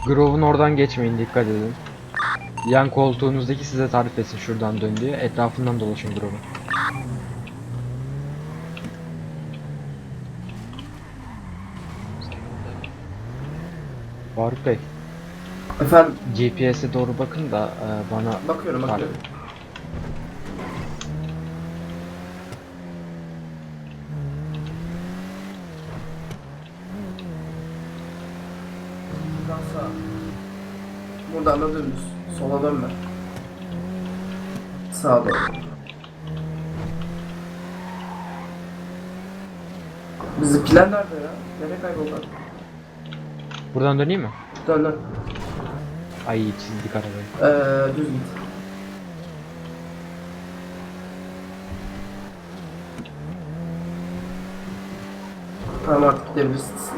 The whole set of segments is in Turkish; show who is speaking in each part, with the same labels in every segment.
Speaker 1: Grove'un oradan geçmeyin, dikkat edin. Yan koltuğunuzdaki size tarif etsin şuradan dön diye. Etrafından dolaşın Grove'un. Faruk Bey,
Speaker 2: Efendim,
Speaker 1: GPS'e doğru bakın da bana
Speaker 2: bakıyorum. Buradan sağa. Buradan da dönüş. Sola dönme. Sağa doğru. Bizimkiler nerede ya? Nereye kayboldular?
Speaker 1: Buradan döneyim mi?
Speaker 2: Dön dön.
Speaker 1: Ay çizdik arabayı.
Speaker 2: Düz git. Tamam artık gidebiliriz.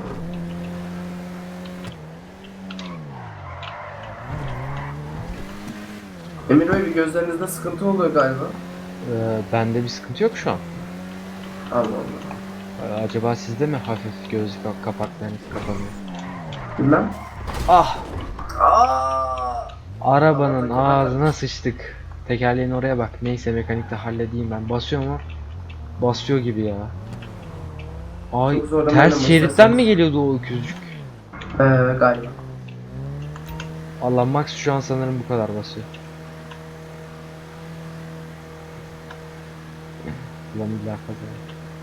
Speaker 2: Emir Bey, bir gözlerinizde sıkıntı oluyor galiba.
Speaker 1: Bende bir sıkıntı yok şu an.
Speaker 2: Allah Allah.
Speaker 1: Acaba sizde mi hafif göz kapaklarınız kapanıyor?
Speaker 2: Bilmem.
Speaker 1: Ah!
Speaker 2: Aa!
Speaker 1: Arabanın ağzına sıçtık. Tekerleğin oraya bak. Neyse mekanikte halledeyim ben. Basıyor mu? Basıyor gibi ya. Ay
Speaker 2: Çok zorlamayalım
Speaker 1: ters şeritten
Speaker 2: isterseniz.
Speaker 1: mi geliyordu o öküzcük?
Speaker 2: Galiba.
Speaker 1: Allah Max şu an sanırım bu kadar basıyor. Ulan illa kaza.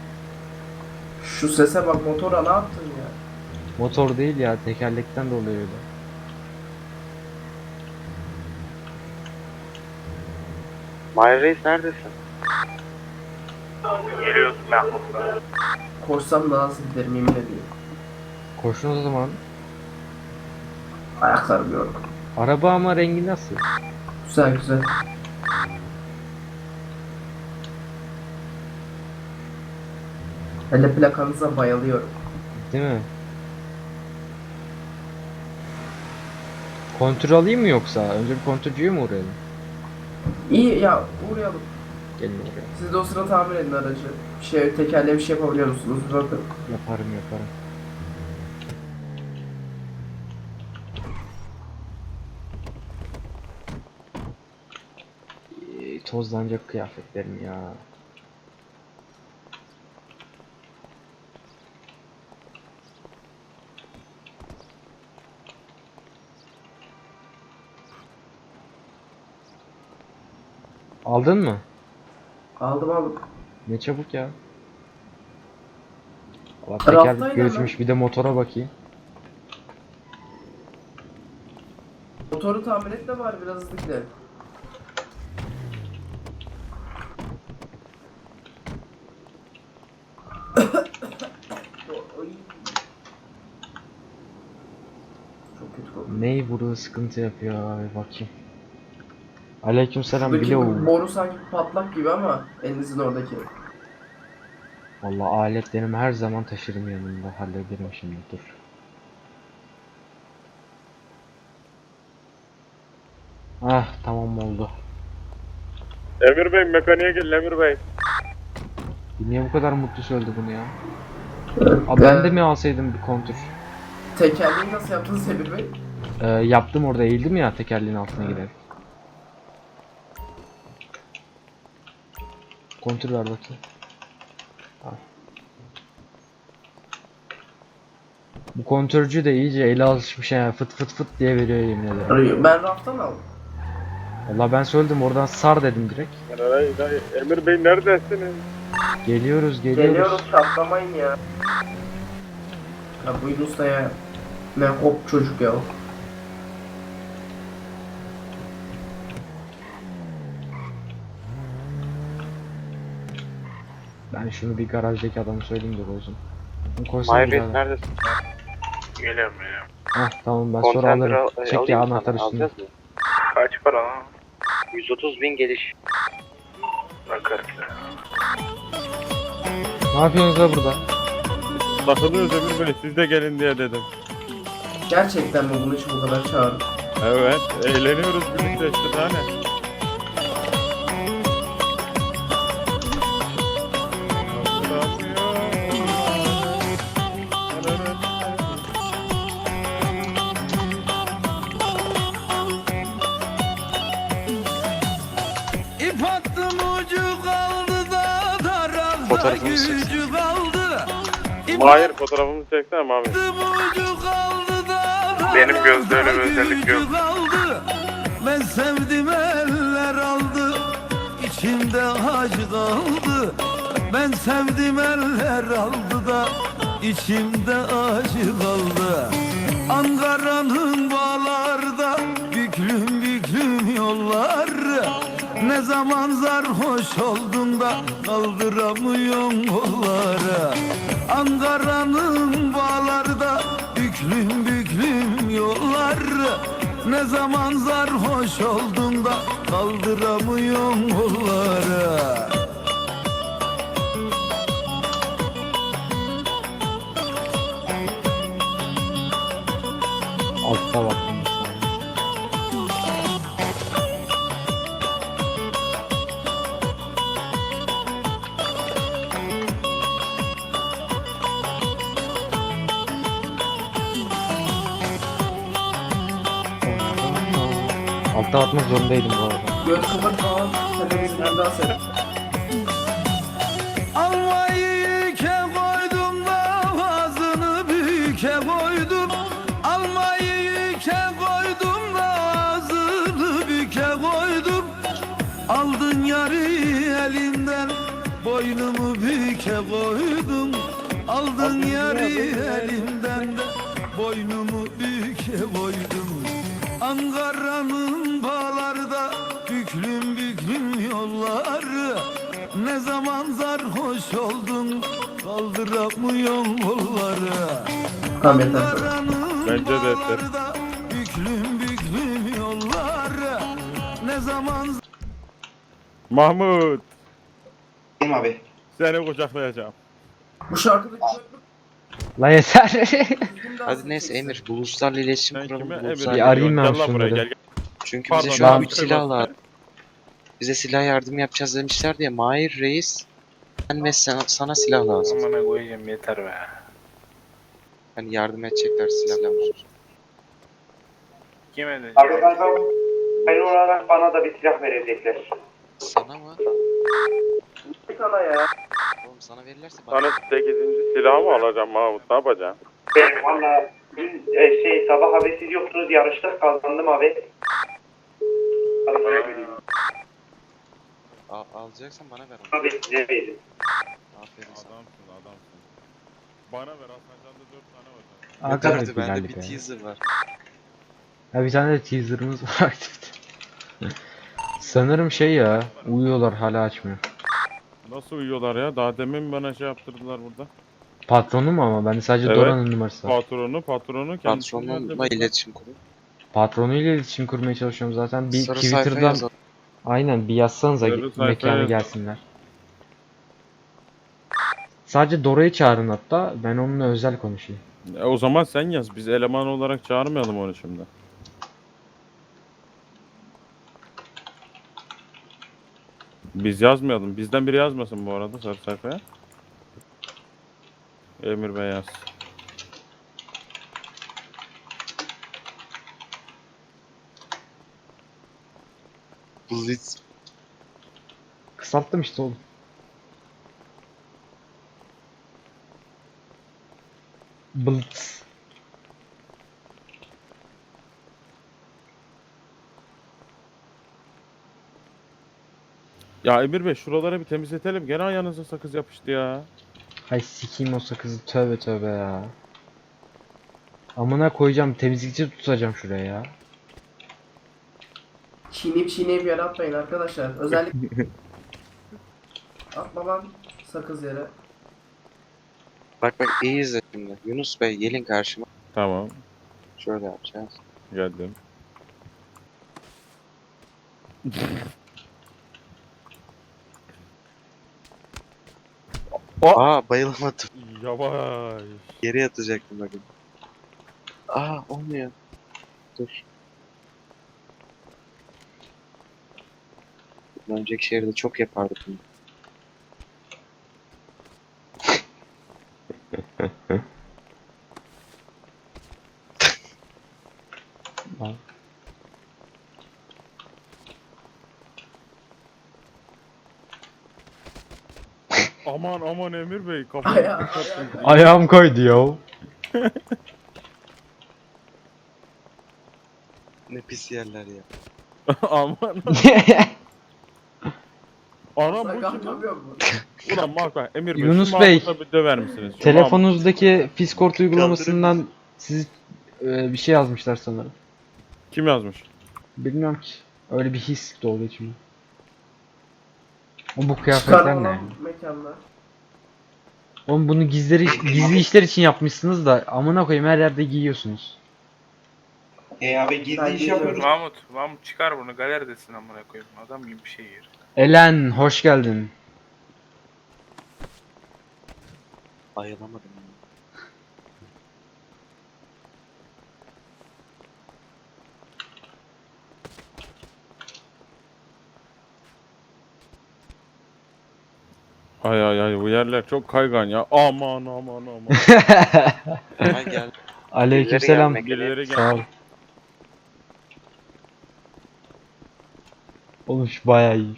Speaker 2: Şu sese bak, motora ne yaptın ya?
Speaker 1: Motor değil ya, tekerlekten dolayı öyle.
Speaker 3: Mahir Reis neredesin?
Speaker 4: Geliyorsun Mahmut.
Speaker 2: Koşsam daha hızlı giderim, yemin ediyorum.
Speaker 1: Koşun o zaman.
Speaker 2: Ayaklarım yorgun.
Speaker 1: Araba ama rengi nasıl?
Speaker 2: Güzel güzel. Hele plakanıza bayılıyorum.
Speaker 1: Değil mi? Kontür alayım mı yoksa? Önce bir kontürcüye mi uğrayalım?
Speaker 2: İyi ya, uğrayalım.
Speaker 1: Gelin oraya.
Speaker 2: Siz de o sırada tamir edin aracı. Tekerleğe bir şey yapabiliyor musunuz? Bakın.
Speaker 1: Yaparım. Tozlanacak kıyafetlerim ya. Aldın mı?
Speaker 2: Aldım.
Speaker 1: Ne çabuk ya. Allah
Speaker 2: Raftayla
Speaker 1: teker göçmüş, bir de motora bakayım.
Speaker 2: Motoru tamir et de var, biraz hızlı gidelim. Oy. Çok kötü koktu.
Speaker 1: Ney burada sıkıntı yapıyor abi, bakayım. Aleykümselam
Speaker 2: Şuradaki
Speaker 1: Bilo.
Speaker 2: boru sanki patlak gibi ama elinizin oradaki.
Speaker 1: Vallahi aletlerimi her zaman taşırım yanımda, hallederim şimdi, dur. Ah tamam oldu.
Speaker 4: Emir Bey, mekaniğe gelin Emir Bey.
Speaker 1: Niye bu kadar mutlu söyledi bunu ya? Abi ben de mi alsaydım bir kontür?
Speaker 2: Tekerleği nasıl yaptınız Emir Bey?
Speaker 1: Yaptım, orada eğildim ya tekerleğin altına giderek. Kontür ver bakayım. Al. Bu kontürcü de iyice ele alışmış ya, fıt fıt fıt diye veriyor yemin ederim.
Speaker 2: Ben raftan aldım.
Speaker 1: Vallahi ben söyledim, oradan sar dedim direkt.
Speaker 4: Emir Bey neredesiniz?
Speaker 1: Geliyoruz.
Speaker 2: Geliyoruz, çatlamayın ya. Ya bu Yunus da ya. Ne hop çocuk ya.
Speaker 1: Ben şunu bir garajdaki adamı söyleyeyim de bozun.
Speaker 3: Mahir Reis neredesin?
Speaker 4: Geliyorum.
Speaker 1: Hah tamam, ben sonra alırım. Çek ya, anahtar üstünde.
Speaker 3: Alacağız mı?
Speaker 4: Kaç para lan?
Speaker 3: 130.000 geliş.
Speaker 4: Bakarız.
Speaker 1: Ne yapıyorsunuz da burada?
Speaker 4: Takılıyoruz Emir Bey, siz de gelin diye dedim.
Speaker 2: Gerçekten mi bunu için bu kadar çağırdın?
Speaker 4: Evet, eğleniyoruz birlikte işte daha ne?
Speaker 3: Fotoğrafımızı çeksin.
Speaker 5: gücü kaldı.
Speaker 4: Mahir fotoğrafımızı çeksene Mami.
Speaker 5: Ucu kaldı da
Speaker 4: Benim gözde öyle bir özellik
Speaker 5: gücü
Speaker 4: yok.
Speaker 5: kaldı. Ben sevdim eller aldı. İçimde acı kaldı. Ben sevdim eller aldı da içimde acı kaldı. Ankara'nın bağlarda büklüm büklüm yollar. Ne zaman sarhoş oldun da kaldıramıyorsun kolları. Ankara'nın bağlarda büklüm büklüm yollar. Ne zaman sarhoş oldun da kaldıramıyorsun kolları.
Speaker 1: Altta baktım bir saniye. Altta atmak zorundaydım bu arada.
Speaker 2: Göz kapat falan. Televizyondan dans et.
Speaker 5: Almayı yüke koydum da ağzını büke koydum. Almayı yüke koydum da ağzını büke koydum. Aldın yarı elimden boynumu büke koydum. Aldın yarı elimden de boynumu büke koydum. Ankara'nın bağlarda büklüm büklüm yolları. Ne zaman sarhoş oldun kaldıramıyorsun kolları.
Speaker 2: Tamam yeter.
Speaker 5: Ankara'nın
Speaker 4: Bence de yeter.
Speaker 5: bağlarda büklüm büklüm yolları. Ne zaman
Speaker 4: Mahmut.
Speaker 3: Abi.
Speaker 4: Seni kucaklayacağım.
Speaker 2: Bu şarkıdaki
Speaker 1: La yeter.
Speaker 3: Hadi neyse Emir, Buluslarla iletişim
Speaker 4: Sen
Speaker 3: kuralım.
Speaker 4: kime
Speaker 3: Buluslarla-
Speaker 1: Bir arayayım ben
Speaker 4: Gel lan buraya
Speaker 1: şunları.
Speaker 4: gel.
Speaker 3: Çünkü
Speaker 4: Pardon,
Speaker 3: bize şu an
Speaker 1: ben-
Speaker 3: bir silah lazım. Bize silah yardım yapacağız demişler diye. Mahir Reis, ben ve sana silah lazım.
Speaker 6: Amına koyayım yeter be.
Speaker 3: Hani yardım edecekler silahla.
Speaker 6: Kim edecek?
Speaker 3: Abi hayır olarak bana da bir silah verecekler. Sana mı?
Speaker 2: sana ya.
Speaker 3: Oğlum sana verirlerse bana.
Speaker 4: Sana 8. silahı mı alacağım Mahmut? Ne yapacaksın?
Speaker 3: Ben valla dün sabah abi siz yoktunuz, yarıştık, kazandım abi. Alacaksan bana ver onu. Abi size veririm. Aferin sana.
Speaker 4: Adamsın. Bana ver, Hasancan'da 4 tane var.
Speaker 1: Arkadaş
Speaker 3: Hadi bende
Speaker 1: güzellik
Speaker 3: bir
Speaker 1: ya.
Speaker 3: teaser var.
Speaker 1: Ya bir tane de teaserımız var artık. Sanırım şey ya, uyuyorlar hala açmıyor.
Speaker 4: Nasıl uyuyorlar ya? Daha demin bana şey yaptırdılar burada.
Speaker 1: Patronu mu ama? Bende sadece
Speaker 4: Evet.
Speaker 1: Dora'nın numarası var.
Speaker 4: Patronu kendisi.
Speaker 3: Patronumla iletişim kurun.
Speaker 1: Patronuyla iletişim kurmaya çalışıyorum zaten. Bir
Speaker 3: Sarı sayfaya
Speaker 1: Twitter'dan
Speaker 3: yazalım.
Speaker 1: aynen bir yazsanıza
Speaker 4: Sarı sayfaya
Speaker 1: mekana
Speaker 4: yazalım.
Speaker 1: gelsinler. Sadece Dora'yı çağırın hatta, ben onunla özel konuşayım.
Speaker 4: O zaman sen yaz. Biz eleman olarak çağırmayalım onu şimdi. Biz yazmayalım. Bizden biri yazmasın bu arada sarı sayfaya. Emir Bey yaz.
Speaker 3: Blitz.
Speaker 1: Kısalttım işte oğlum. Blitz.
Speaker 4: Ya Emir Bey şuraları bir temizletelim. Gene ayağınıza sakız yapıştı ya.
Speaker 1: Hay sikeyim o sakızı, tövbe tövbe ya. Amına koyacağım, temizlikçi tutacağım şuraya ya.
Speaker 2: Çiğneyip yere atmayın arkadaşlar. Özellikle atma lan sakız yere.
Speaker 3: Bak iyi izle şimdi. Yunus Bey gelin karşıma.
Speaker 4: Tamam.
Speaker 3: Şöyle yapacağız.
Speaker 4: Geldim.
Speaker 3: Aa bayılamadım.
Speaker 4: Yavaş.
Speaker 3: Geri yatacaktım bakın. Aa olmuyor. Dur. Önceki şehirde çok yapardık bunu.
Speaker 1: Al.
Speaker 4: Aman aman Emir Bey kafayı
Speaker 2: Ayağı-
Speaker 4: kapattın.
Speaker 1: Ayağım kaydı ya.
Speaker 3: Ne pis yerler ya.
Speaker 4: Aman. Anam bu
Speaker 2: Sakal
Speaker 4: kim lan?
Speaker 2: yapıyor mu?
Speaker 4: Ulan Mahmut Emir Bey.
Speaker 1: Yunus
Speaker 4: şu
Speaker 1: Bey,
Speaker 4: Mahmut'a bir döver misiniz? Şu
Speaker 1: Telefonunuzdaki Fiskort uygulamasından siz bir şey yazmışlar sanırım.
Speaker 4: Mahmut. Kim yazmış?
Speaker 1: Bilmiyorum ki. Öyle bir his doğdu içime. O bu kıyafetler ne?
Speaker 2: Çıkarma lan
Speaker 1: yani?
Speaker 2: mekanda.
Speaker 1: Oğlum bunu gizli işler için yapmışsınız da amına koyayım her yerde giyiyorsunuz.
Speaker 6: Abi gizli
Speaker 2: Ben
Speaker 6: iş
Speaker 2: geliyorum.
Speaker 6: yapıyoruz.
Speaker 7: Mahmut çıkar bunu galeridesin amına koyayım. Adam gibi bir şey yer.
Speaker 1: Elen hoş geldin.
Speaker 3: Ayılamadım ya.
Speaker 4: Ay ay ay bu yerler çok kaygan ya. Aman aman aman.
Speaker 3: Hemen gel.
Speaker 1: Aleykümselam.
Speaker 3: gelmek
Speaker 4: Birileri
Speaker 1: Sağ ol.
Speaker 4: gel.
Speaker 1: Oğlum şu bayağı iyi.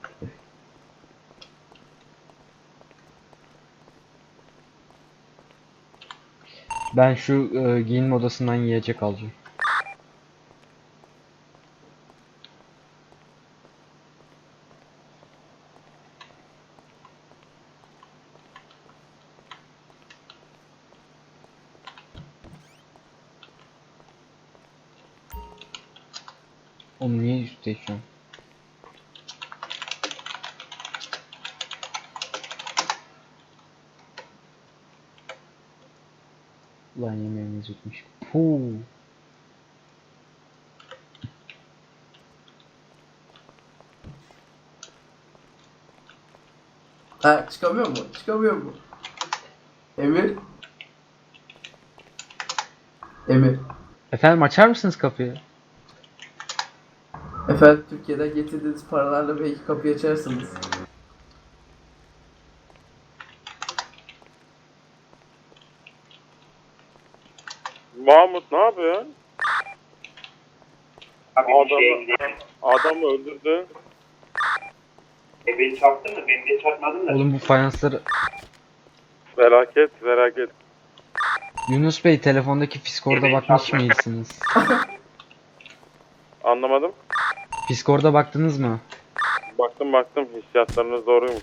Speaker 1: Ben şu giyinme odasından yiyecek alacağım. Oğlum niye üstte şu an? Ulan yemeğimiz bitmiş. Puu.
Speaker 2: Ha çıkamıyor mu? Çıkamıyor mu? Emir? Emir.
Speaker 1: Efendim açar mısınız kapıyı?
Speaker 2: Efendim Türkiye'den getirdiğiniz paralarla belki kapıyı açarsınız.
Speaker 4: Mahmut ne yapıyorsun?
Speaker 6: Abi bir şey
Speaker 4: Adamı öldürdü.
Speaker 6: beni çarptın mı? Beni de çarpmadın da.
Speaker 1: Oğlum bu fayansları...
Speaker 4: Felaket felaket.
Speaker 1: Yunus Bey telefondaki Fiskord'a bakmış mıydınız?
Speaker 4: Anlamadım.
Speaker 1: Fiskord'a baktınız mı?
Speaker 4: Baktım hissiyatlarınız doğruymuş.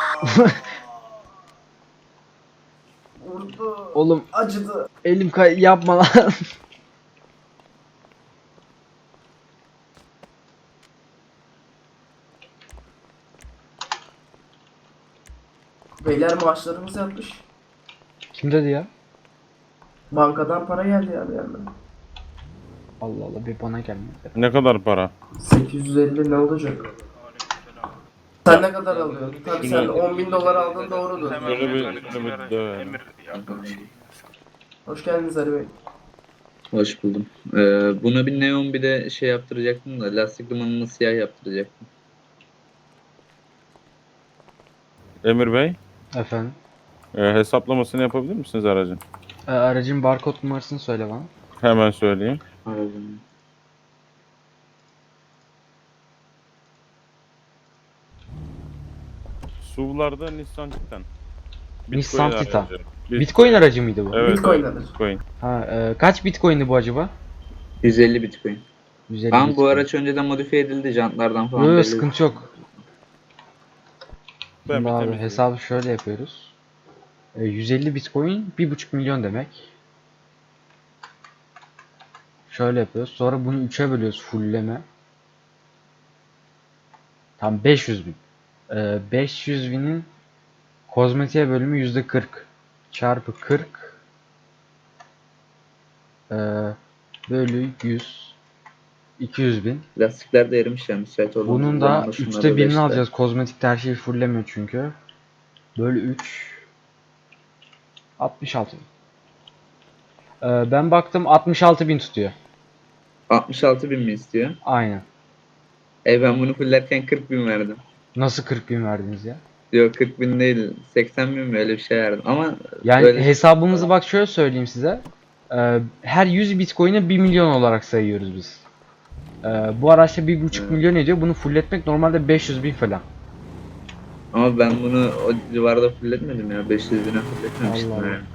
Speaker 2: Vurdu.
Speaker 1: Oğlum
Speaker 2: Acıdı.
Speaker 1: elim yapma lan.
Speaker 2: Beyler maaşlarımız yatmış.
Speaker 1: Kim dedi ya?
Speaker 2: Bankadan para geldi ya bir yandan.
Speaker 1: Allah Allah bir bana gelmedi.
Speaker 4: Ne kadar para?
Speaker 2: 850 ne olacak? Sen ne kadar alıyorsun? Tabii sen 10.000 dolar aldın doğrudur.
Speaker 7: Hemen
Speaker 4: Şöyle bir-
Speaker 7: mekanik
Speaker 4: şöyle bir
Speaker 7: sigara-
Speaker 4: dövelim.
Speaker 7: Emir yakın şey.
Speaker 2: Hoş geldiniz Ali Bey.
Speaker 8: Hoş buldum. Buna bir neon bir de şey yaptıracaktım da lastik dumanını siyah yaptıracaktım.
Speaker 4: Emir Bey,
Speaker 1: Efendim?
Speaker 4: hesaplamasını yapabilir misiniz aracın?
Speaker 1: Aracın barkod numarasını söyle bana.
Speaker 4: Hemen söyleyeyim.
Speaker 8: Aracın.
Speaker 4: SUV'larda Nissan Titan.
Speaker 1: Nissan
Speaker 4: Bitcoin
Speaker 1: Titan.
Speaker 4: aracı.
Speaker 1: Bitcoin aracı mıydı bu?
Speaker 4: Evet,
Speaker 2: Bitcoin
Speaker 4: evet,
Speaker 2: alır.
Speaker 4: Bitcoin.
Speaker 1: Ha, kaç Bitcoin'di bu acaba?
Speaker 8: 150 Bitcoin.
Speaker 1: 150
Speaker 8: Ama bu
Speaker 1: Bitcoin.
Speaker 8: araç önceden modifiye edildi jantlardan falan.
Speaker 1: Yok
Speaker 8: belli.
Speaker 1: sıkıntı yok.
Speaker 4: Ben
Speaker 1: Şimdi
Speaker 4: bir
Speaker 1: abi
Speaker 4: temizleyeyim.
Speaker 1: hesabı şöyle yapıyoruz. 150 Bitcoin 1,5 milyon demek. Şöyle yapıyoruz. Sonra bunu 3'e bölüyoruz fullleme. Tam 500 bin. 500 binin kozmetiğe bölümü %40. Çarpı 40. Bölü 100. 200 bin.
Speaker 8: Lastikler de erimiş ya müsait olduğumuz
Speaker 1: Bunun da
Speaker 8: zaman şunları
Speaker 1: 3'te birini
Speaker 8: işte.
Speaker 1: alacağız. Kozmetik her şeyi fulllemiyor çünkü. Bölü 3. 66 bin. Ben baktım 66 bin tutuyor.
Speaker 8: 66 bin mi istiyor?
Speaker 1: Aynen.
Speaker 8: Ben bunu fullerken 40 bin verdim.
Speaker 1: Nasıl 40 bin verdiniz ya?
Speaker 8: Yok 40 bin değil 80 bin mi öyle bir şey verdim ama
Speaker 1: Yani
Speaker 8: böyle
Speaker 1: hesabımızı bak şöyle söyleyeyim size. Her 100 Bitcoin'e 1 milyon olarak sayıyoruz biz. Bu araçta 1,5 milyon ediyor. Bunu fulletmek normalde 500 bin falan.
Speaker 8: Ama ben bunu o civarda fulletmedim ya. 500 bine fulletmemiştim
Speaker 1: Allah Allah.
Speaker 8: yani.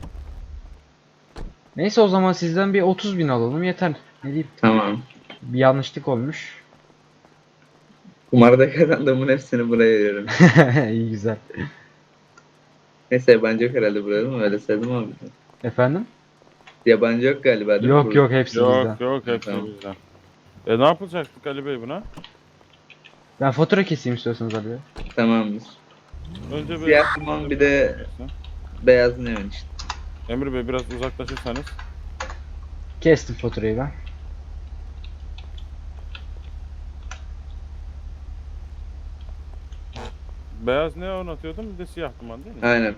Speaker 1: Neyse o zaman sizden bir 30.000 alalım yeter. Ne diyeyim?
Speaker 8: Tamam.
Speaker 1: Bir yanlışlık olmuş.
Speaker 8: Kumarda kazandığımın hepsini buraya veriyorum.
Speaker 1: İyi güzel.
Speaker 8: Neyse yabancı yok herhalde burada değil mi? Öyle sevdim abi.
Speaker 1: Efendim?
Speaker 8: Yabancı yok galiba değil mi
Speaker 1: Yok
Speaker 8: burada?
Speaker 1: yok hepsi bizden.
Speaker 4: Yok yok hepsi
Speaker 8: Tamam.
Speaker 4: bizden. Ne yapılacaktık Ali Bey buna?
Speaker 1: Ben fatura keseyim istiyorsanız abi.
Speaker 8: Tamamdır.
Speaker 4: Önce bir...
Speaker 8: Siyah duman bir de beyaz neon işte.
Speaker 4: Emir Bey biraz uzaklaşırsanız.
Speaker 1: Kestim faturayı ben.
Speaker 4: Beyaz neon atıyordum bir de siyah duman değil mi?
Speaker 8: Aynen.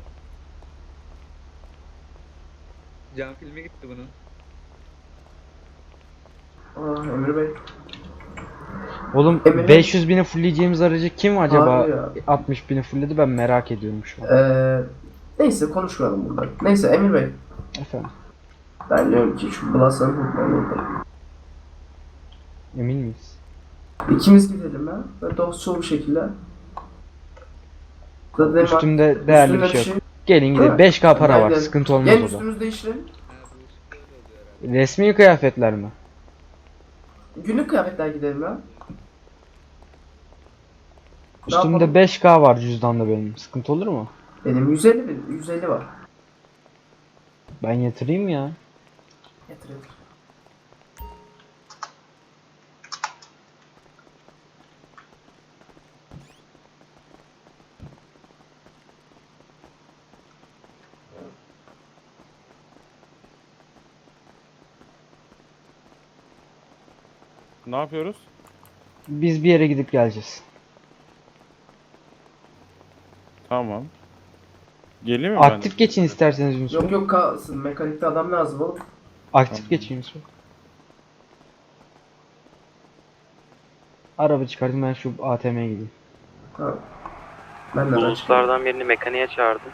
Speaker 8: Cam filmi gitti bunun.
Speaker 2: Aa, Emre Bey.
Speaker 1: Oğlum
Speaker 2: Emre-
Speaker 1: 500.000'e fullleyeceğimiz aracı kim acaba
Speaker 2: Harbi ya.
Speaker 1: 60.000'e fullledi ben merak ediyorum şu an.
Speaker 2: Neyse konuşmayalım burada. Neyse Emir Bey.
Speaker 1: Efendim
Speaker 2: Ben diyorum ki şu Blas'ın hukuklarını
Speaker 1: emin miyiz?
Speaker 2: İkimiz gidelim ya. Ve dostça bir şekilde. Zaten
Speaker 1: Üstümde değerli bir şey yok. Gelin gidelim.
Speaker 2: Değil mi?
Speaker 1: 5K para var.
Speaker 2: Gel.
Speaker 1: Sıkıntı olmaz
Speaker 2: Gel
Speaker 1: o da.
Speaker 2: üstümüzü değiştirelim.
Speaker 1: Resmi kıyafetler mi?
Speaker 2: Günlük kıyafetler gidelim ya. Ne
Speaker 1: Üstümde
Speaker 2: yapalım?
Speaker 1: 5K var cüzdanda benim. Sıkıntı olur mu?
Speaker 2: Benim 150 var.
Speaker 1: Ben yatırayım ya.
Speaker 2: Getir getir.
Speaker 4: Ne yapıyoruz?
Speaker 1: Biz bir yere gidip geleceğiz.
Speaker 4: Tamam. Geleyim mi ben de?
Speaker 1: Aktif geçin isterseniz Yunus
Speaker 2: Yok
Speaker 1: Bey.
Speaker 2: yok kalsın. Mekanikte adam lazım oğlum.
Speaker 1: Aktif geçin Yunus Bey. Araba çıkardım ben şu ATM'ye gideyim.
Speaker 2: Ha. Ben de
Speaker 3: Uluslardan birini mekaniğe çağırdım.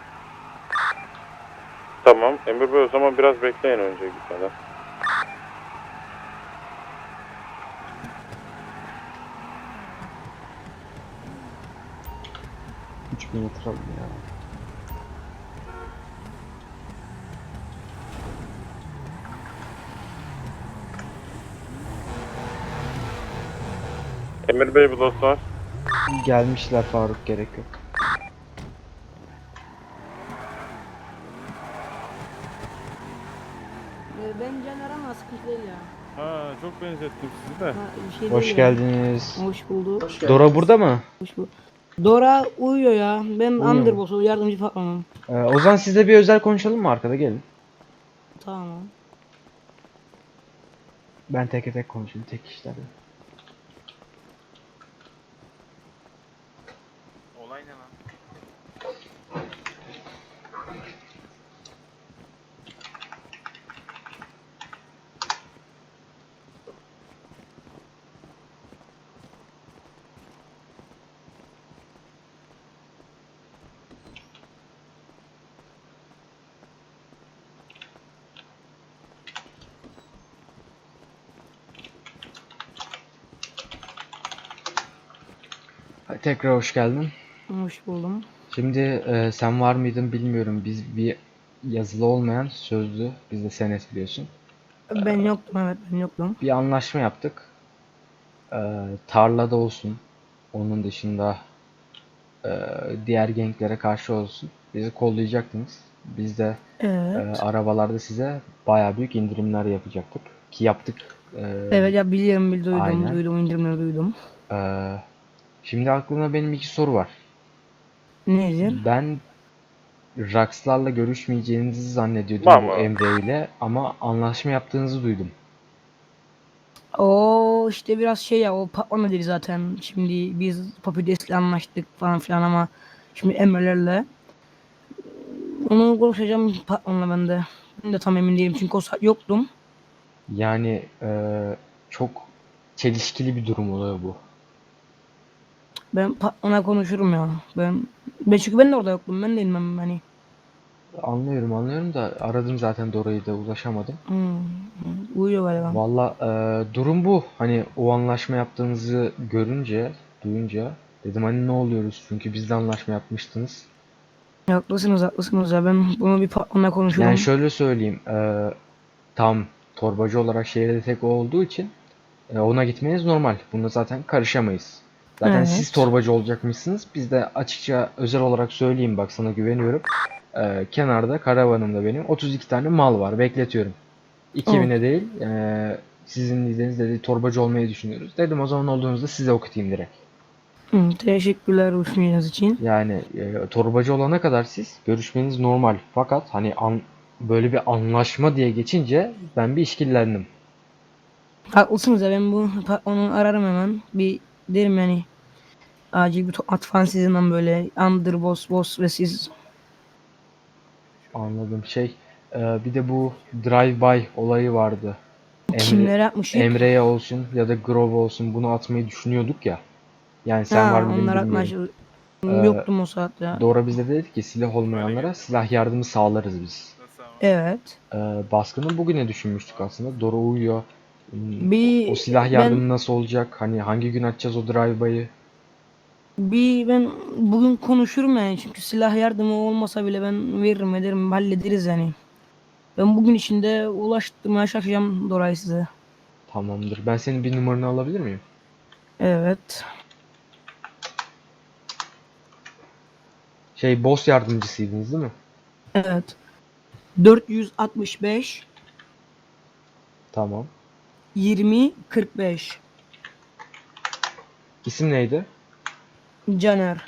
Speaker 4: Tamam. Emir Bey o zaman biraz bekleyin önce gitmeden.
Speaker 1: Üç bin yatıralım ya.
Speaker 4: Emir Bey bu dostlar.
Speaker 1: Gelmişler Faruk gerek yok.
Speaker 9: Ben Caner ama sıkıntı değil ya.
Speaker 4: Ha çok benzettim sizi de.
Speaker 9: Ha, bir şey
Speaker 1: Hoş
Speaker 9: değil ya.
Speaker 1: geldiniz.
Speaker 9: Hoş bulduk.
Speaker 2: Hoş geldin.
Speaker 1: Dora burada mı?
Speaker 9: Hoş bulduk. Dora uyuyor ya. Ben
Speaker 1: Uyuyor mu?
Speaker 9: Underboss'u yardımcı patronum.
Speaker 1: O zaman sizle bir özel konuşalım mı arkada gelin.
Speaker 9: Tamam.
Speaker 1: Ben tek tek konuşayım tek kişilerle.
Speaker 7: Olay ne lan?
Speaker 1: Tekrar hoş geldin.
Speaker 9: Hoş buldum.
Speaker 1: Şimdi sen var mıydın bilmiyorum. Biz bir yazılı olmayan sözlü, biz de senet biliyorsun.
Speaker 9: Ben yoktum, evet ben yoktum.
Speaker 1: Bir anlaşma yaptık. Tarlada olsun. Onun dışında diğer genklere karşı olsun. Bizi kollayacaktınız. Biz de
Speaker 9: Evet.
Speaker 1: arabalarda size bayağı büyük indirimler yapacaktık. Ki yaptık.
Speaker 9: Evet ya biliyorum, duydum,
Speaker 1: Aynen.
Speaker 9: duydum, indirimleri duydum.
Speaker 1: E, Şimdi aklımda benim iki soru var.
Speaker 9: Nedir?
Speaker 1: Ben Rax'larla görüşmeyeceğinizi zannediyordum
Speaker 4: Tamam.
Speaker 1: bu Emre ile ama anlaşma yaptığınızı duydum.
Speaker 9: O işte biraz şey ya, o patron dedi zaten. Şimdi biz Papides'le anlaştık falan filan ama şimdi Emre'lerle. Onu konuşacağım patronla ben de. Ben de tam emin değilim çünkü o saat yoktum.
Speaker 1: Yani çok çelişkili bir durum oluyor bu.
Speaker 9: Ben patronla konuşurum ya. Ben çünkü ben de orada yoktum. Ben de inmem hani.
Speaker 1: Anlıyorum da aradım zaten Dora'yı da ulaşamadım.
Speaker 9: Uyuyor galiba.
Speaker 1: Valla durum bu. Hani o anlaşma yaptığınızı görünce, duyunca Dedim hani ne oluyoruz çünkü biz de anlaşma yapmıştınız.
Speaker 9: Haklısınız ya, ben bunu bir patronla konuşurum.
Speaker 1: Yani şöyle söyleyeyim. Tam torbacı olarak şehirde tek o olduğu için ona gitmeniz normal. Bunda zaten karışamayız. Zaten siz
Speaker 9: Evet.
Speaker 1: torbacı olacakmışsınız. Biz de açıkça özel olarak söyleyeyim, bak sana güveniyorum. Kenarda karavanımda benim 32 tane mal var. Bekletiyorum. 2000'e değil. Sizin lideriniz dedi torbacı olmayı düşünüyoruz. Dedim o zaman olduğunuzda size okutayım direkt.
Speaker 9: Teşekkürler bu düşünceniz için.
Speaker 1: Yani torbacı olana kadar siz görüşmeniz normal. Fakat hani böyle bir anlaşma diye geçince ben bir işkillendim.
Speaker 9: Haklısınız ya, ben bu patronu ararım hemen. Bir derim yani, acil bir toplantı falan sizinle, böyle boss ve siz.
Speaker 1: Anladım. Bir de bu drive-by olayı vardı.
Speaker 9: Kimlere yapmışık?
Speaker 1: Emre'ye olsun ya da Grove olsun bunu atmayı düşünüyorduk ya. Yani sen var mıydın
Speaker 9: Onlar
Speaker 1: bilmiyorum.
Speaker 9: yoktum o saat ya.
Speaker 1: Dora bize dedi ki silah olmayanlara silah yardımı sağlarız biz.
Speaker 7: Nasıl ama?
Speaker 9: Evet.
Speaker 1: Baskını bugüne düşünmüştük aslında. Dora uyuyor. O
Speaker 9: Bir
Speaker 1: silah yardımı nasıl olacak? Hani hangi gün açacağız o drive-by'ı?
Speaker 9: ben bugün konuşurum yani, çünkü silah yardımı olmasa bile ben veririm ederim, hallederiz yani. Ben bugün içinde ulaştırmaya çalışacağım Dora'yı size.
Speaker 1: Tamamdır. Ben senin bir numaranı alabilir miyim?
Speaker 9: Evet.
Speaker 1: Boss yardımcısıydınız değil mi?
Speaker 9: Evet. 465
Speaker 1: Tamam.
Speaker 9: 20 45
Speaker 1: İsim neydi?
Speaker 9: Caner.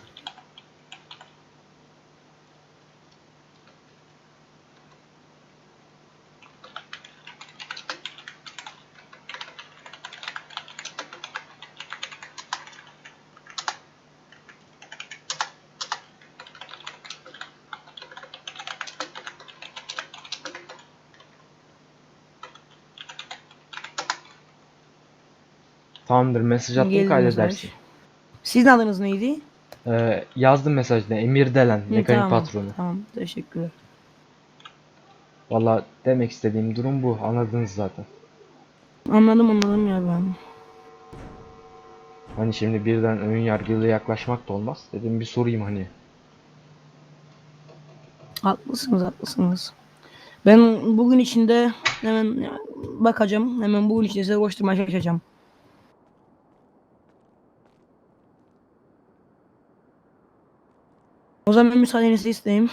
Speaker 1: Tamamdır. Mesaj attım,
Speaker 9: Geldi mesaj.
Speaker 1: kaydedersin.
Speaker 9: Sizin adınız neydi?
Speaker 1: Yazdım mesajda. Emir Delen. Mekanik
Speaker 9: Tamam.
Speaker 1: patronu.
Speaker 9: Tamam. Teşekkürler.
Speaker 1: Valla demek istediğim durum bu. Anladınız zaten.
Speaker 9: Anladım ya ben.
Speaker 1: Hani şimdi birden ön yargıyla yaklaşmak da olmaz. Dedim bir sorayım hani.
Speaker 9: Haklısınız. Ben bugün içinde hemen bakacağım. Hemen bugün içinde size koşturmaya çalışacağım. O zaman ben müsaadenizi isteyeyim.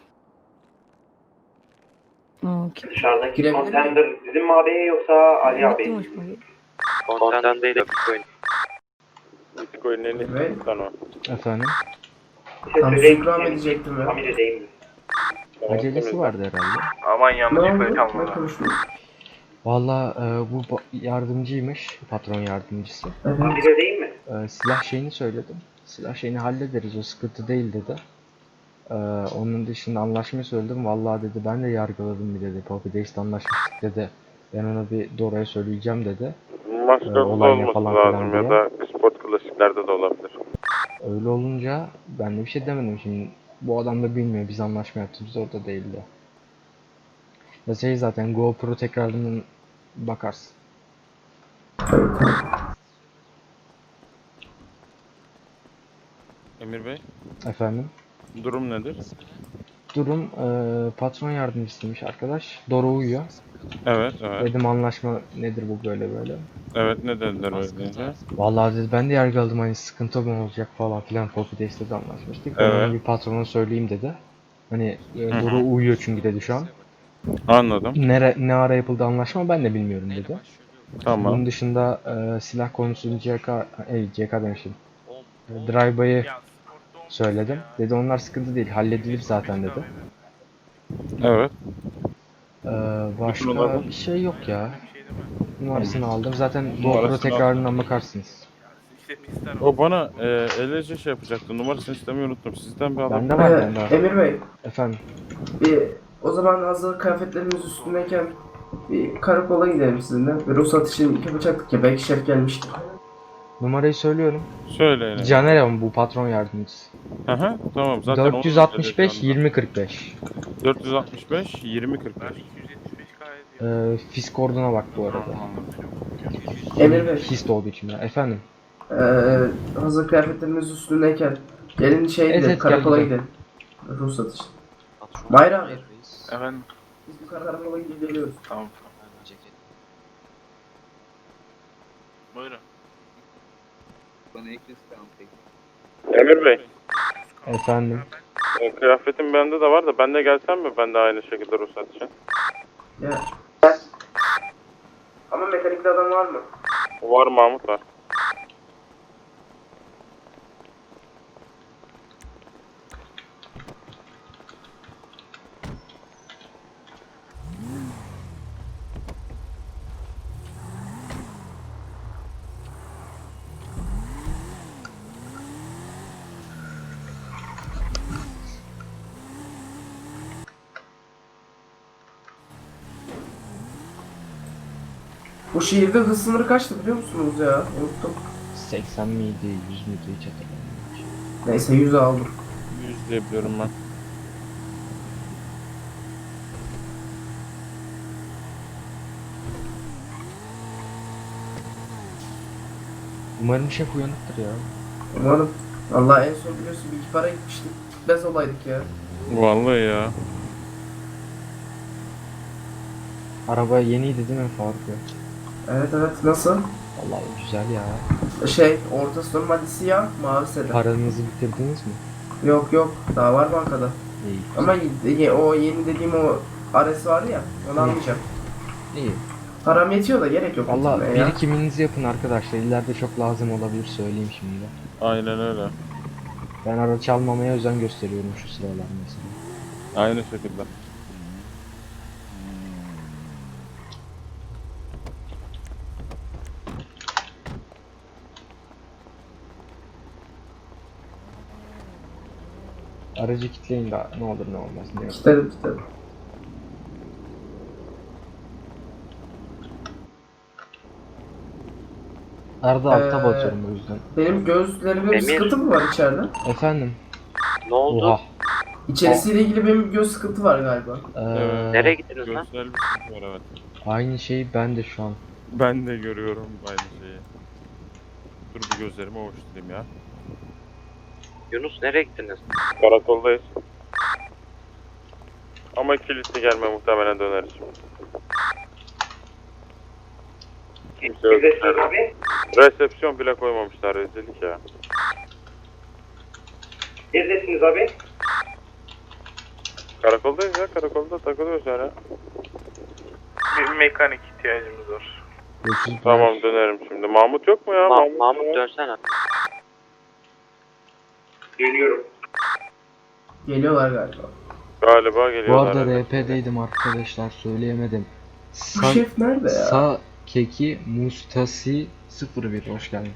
Speaker 9: Okey.
Speaker 6: Dışarıdaki
Speaker 2: Girebilir
Speaker 6: kontender bizim mi abi yoksa Ali abi?
Speaker 9: Bitti mi hoşuma gitti?
Speaker 3: Konten değil Bitcoin.
Speaker 4: Bitcoin'in en iyisi
Speaker 2: Evet.
Speaker 4: sen o.
Speaker 1: Efendim?
Speaker 2: Tam
Speaker 6: söyleyeyim.
Speaker 2: ikram edecektim ya.
Speaker 6: Amire değil mi?
Speaker 1: Acelesi vardı herhalde.
Speaker 7: Aman
Speaker 2: Ne
Speaker 7: yanlış
Speaker 2: oldu?
Speaker 7: kayıt
Speaker 2: Ne
Speaker 7: almadan.
Speaker 2: konuştunuz?
Speaker 1: Valla bu yardımcıymış. Patron yardımcısı.
Speaker 2: Evet.
Speaker 6: Amire değil mi?
Speaker 1: Silah şeyini söyledim. Silah şeyini hallederiz. O sıkıntı değil dedi. Onun dışında anlaşmayı söyledim. Vallahi dedi ben de yargıladım bir dedi. Poppy Days'te anlaşmıştık dedi. Ben ona bir Dora'ya söyleyeceğim dedi.
Speaker 4: Maçlarda
Speaker 1: olay ne
Speaker 4: olması
Speaker 1: falan
Speaker 4: lazım
Speaker 1: filan
Speaker 4: ya
Speaker 1: diye.
Speaker 4: da sport klasiklerde de olabilir.
Speaker 1: Öyle olunca ben de bir şey demedim. Şimdi bu adam da bilmiyor. Biz anlaşma yaptığımız orada değildi. Ya zaten GoPro tekrarından bakarsın.
Speaker 4: Emir Bey,
Speaker 1: Efendim?
Speaker 4: durum nedir?
Speaker 1: Durum patron yardımcısıymış arkadaş. Dora uyuyor.
Speaker 4: Evet.
Speaker 1: Dedim anlaşma nedir bu böyle böyle.
Speaker 4: Evet, ne dediler öyle deyince?
Speaker 1: Vallahi dedi ben de yargıladım hani sıkıntı mı olacak falan filan. Poppy Days'te de anlaşmıştık. Ben
Speaker 4: Evet.
Speaker 1: ona bir patrona söyleyeyim dedi. Hani
Speaker 4: hı.
Speaker 1: Dora uyuyor çünkü dedi şu an.
Speaker 4: Anladım.
Speaker 1: Ne ara yapıldı anlaşma ben de bilmiyorum dedi.
Speaker 4: Tamam.
Speaker 1: Bunun dışında silah konusunu CK demişim. Drive-by'ı söyledim. Dedi onlar sıkıntı değil halledilir zaten dedi.
Speaker 4: Evet.
Speaker 1: Başka bir şey yok ya. Numarasını aldım. Zaten GoPro
Speaker 4: Numarasını
Speaker 1: tekrarından bakarsınız.
Speaker 7: İşte pisler
Speaker 4: O bana LC şey yapacaktı. Numarasını istemeyi unuttum. Sizden bir adam.
Speaker 1: Bende var bende var.
Speaker 2: Emir Bey,
Speaker 1: Efendim.
Speaker 2: o zaman hazır kıyafetlerimiz üstündeyken bir karakola gidelim sizinle. Bir ruhsat için yapacaktık ya, belki şef gelmiştir.
Speaker 1: Numarayı söylüyorum.
Speaker 4: Söyleyin.
Speaker 1: Caner ama bu patron yardımcısı.
Speaker 4: Aha, tamam. Zaten onun
Speaker 1: 465
Speaker 4: LC 'anda.
Speaker 1: 2045.
Speaker 4: 465 20 45.
Speaker 7: 275 gayet iyi.
Speaker 1: Fisk orduna bak bu arada.
Speaker 2: Emir Bey,
Speaker 1: Hist olduğu için ya. Efendim.
Speaker 2: Hazır kıyafetlerimiz üstündeyken gelin şey
Speaker 1: Evet,
Speaker 2: gidelim,
Speaker 1: evet,
Speaker 2: karakola
Speaker 1: gel
Speaker 2: gidelim. Ruhsat için.
Speaker 3: At şunu.
Speaker 2: Mahir abi.
Speaker 3: Reis.
Speaker 7: Efendim
Speaker 2: Biz bir karakola gidip geliyoruz.
Speaker 7: tamam.
Speaker 3: Hemen ceket.
Speaker 7: Buyurun.
Speaker 8: Bana eklesin tamam peki.
Speaker 4: Emir Bey,
Speaker 1: Efendim.
Speaker 4: kıyafetim bende de var da ben de gelsem mi? Ben de aynı şekilde ruhsat için.
Speaker 2: Ya. Ama mekanikli adam var mı?
Speaker 4: Var, Mahmut var.
Speaker 2: Bu şehirde hız sınırı kaçtı biliyor musunuz ya? Unuttum.
Speaker 1: 80 miydi, 100 müydü hiç hatırlamıyorum.
Speaker 2: Neyse 100'ü aldım.
Speaker 4: 100 diye biliyorum ben.
Speaker 1: Umarım şef uyanıktır ya.
Speaker 2: Umarım. Allah en son biliyorsun bir iki para gitmiştik. Gitmez olaydık ya.
Speaker 4: Vallahi ya.
Speaker 1: Araba yeniydi değil mi Faruk ya?
Speaker 2: Evet evet nasıl?
Speaker 1: Vallahi güzel ya.
Speaker 2: Şey ortası normalde siyah mavi sedan.
Speaker 1: Paranızı bitirdiniz mi?
Speaker 2: Yok yok daha var bankada.
Speaker 1: İyi.
Speaker 2: Ama o yeni dediğim o Ares var ya onu almayacağım.
Speaker 1: İyi.
Speaker 2: Param yetiyor da gerek yok.
Speaker 1: Valla
Speaker 2: bitirmeye ya.
Speaker 1: birikiminizi yapın arkadaşlar. İleride çok lazım olabilir söyleyeyim şimdi.
Speaker 4: Aynen öyle.
Speaker 1: Ben araç almamaya özen gösteriyorum şu sıralar mesela.
Speaker 4: Aynı şekilde.
Speaker 1: Aracı kitleyin de ne olur ne olmaz. Ne yok.
Speaker 2: Kitledim.
Speaker 1: Arada alta
Speaker 2: Ee,
Speaker 1: batıyorum o yüzden.
Speaker 2: Benim gözlerimde bir
Speaker 3: Emir.
Speaker 2: sıkıntı mı var içeride?
Speaker 1: Efendim?
Speaker 3: Ne oldu?
Speaker 1: Oha.
Speaker 2: İçerisiyle ilgili benim bir göz sıkıntı var galiba.
Speaker 4: Evet.
Speaker 3: Nereye gittiniz lan?
Speaker 4: Görsel bir sıkıntı var, evet.
Speaker 1: Aynı şeyi ben de şu an.
Speaker 4: Ben de görüyorum aynı şeyi. Dur bir gözlerimi ovuşturayım ya.
Speaker 3: Yunus nereye gittiniz?
Speaker 4: Karakoldayız. Ama kilitli gelme, muhtemelen döneriz şimdi. Kimse yok.
Speaker 6: Neredesiniz abi?
Speaker 4: Resepsiyon bile koymamışlar, rezillik ya.
Speaker 6: Neredesiniz abi?
Speaker 4: Karakoldayız ya, karakolda takılıyoruz hala.
Speaker 7: Bir mekanik ihtiyacımız var.
Speaker 1: Görüşürüz.
Speaker 4: Tamam, dönerim şimdi. Mahmut yok mu ya?
Speaker 3: Mahmut
Speaker 4: var.
Speaker 3: dönsene.
Speaker 6: Dönüyorum.
Speaker 2: Geliyorlar galiba.
Speaker 4: Galiba
Speaker 1: Bu
Speaker 4: geliyorlar.
Speaker 1: arada
Speaker 4: evet.
Speaker 1: RP'deydim arkadaşlar söyleyemedim.
Speaker 2: Bu şef nerede ya?
Speaker 1: Sa Keki Mustasi 01 hoş geldin.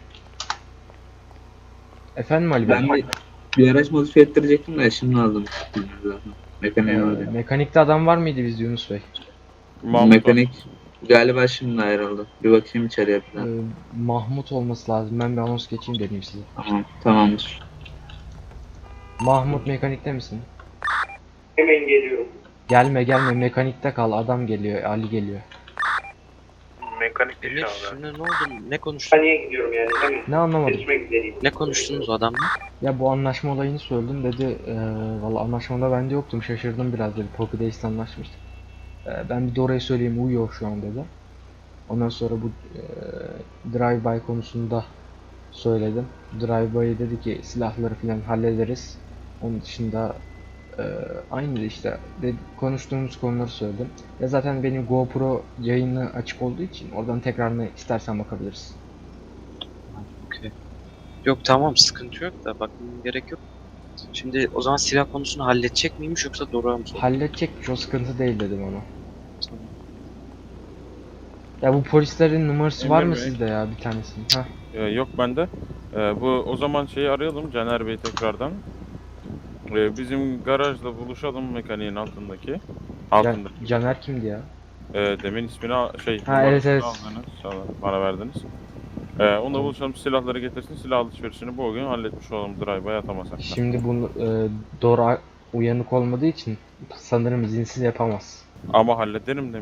Speaker 1: Efendim Ali Bey?
Speaker 8: Ben bir araç modifiye ettirecektim de şimdi aldım. Mekaniğe aldım.
Speaker 1: Mekanikte adam var mıydı bizde Yunus Bey?
Speaker 4: Mahmut
Speaker 8: Mekanik galiba şimdi ayrıldı. Bir bakayım içeriye
Speaker 1: Ee,
Speaker 8: falan.
Speaker 1: Mahmut olması lazım. Ben bir anons geçeyim dedim size.
Speaker 8: Tamam, tamamdır.
Speaker 1: Mahmut mekanikte misin?
Speaker 6: Hemen geliyorum.
Speaker 1: Gelme mekanikte kal adam geliyor Ali geliyor.
Speaker 7: Mekanik
Speaker 3: Emir
Speaker 7: iş abi.
Speaker 3: şimdi ne oldu? Ne konuştun?
Speaker 6: Saniye gidiyorum yani. Hemen.
Speaker 1: Ne anlamadım.
Speaker 6: Seçmek üzereyim.
Speaker 3: Ne konuştunuz o adamla?
Speaker 1: Ya bu anlaşma olayını söyledim dedi. Valla anlaşmada ben de yoktum şaşırdım biraz dedi. Poppy Days'le anlaşmıştık. Ben bir de orayı söyleyeyim uyuyor şu an dedi. Ondan sonra bu drive-by konusunda söyledim. Drive-by dedi ki silahları falan hallederiz. Onun dışında aynı işte konuştuğumuz konuları söyledim. Ya zaten benim GoPro yayını açık olduğu için oradan tekrarını istersen bakabiliriz.
Speaker 3: Okey. Yok tamam sıkıntı yok da bakmam gerek yok. Şimdi o zaman silah konusunu halledecek miymiş yoksa Doruk'a mı sordu?
Speaker 1: Halledecekmiş o sıkıntı değil dedim ona.
Speaker 3: Tamam.
Speaker 1: Ya bu polislerin numarası var
Speaker 4: Emir
Speaker 1: mı
Speaker 4: Bey.
Speaker 1: sizde ya bir tanesinin? Ha.
Speaker 4: yok bende. Bu o zaman şeyi arayalım, Caner Bey tekrardan. Bizim garajda buluşalım, mekaniğin altındaki. Altında.
Speaker 1: Caner kimdi ya?
Speaker 4: Demin ismini
Speaker 1: evet,
Speaker 4: numarasını
Speaker 1: evet.
Speaker 4: aldınız, bana verdiniz. Onunla buluşalım, silahları getirsin, silah alışverişini bu gün halletmiş olalım, drive'a atamasak da.
Speaker 1: Şimdi bunu Dora uyanık olmadığı için sanırım izinsiz yapamaz.
Speaker 4: Ama hallederim demiş.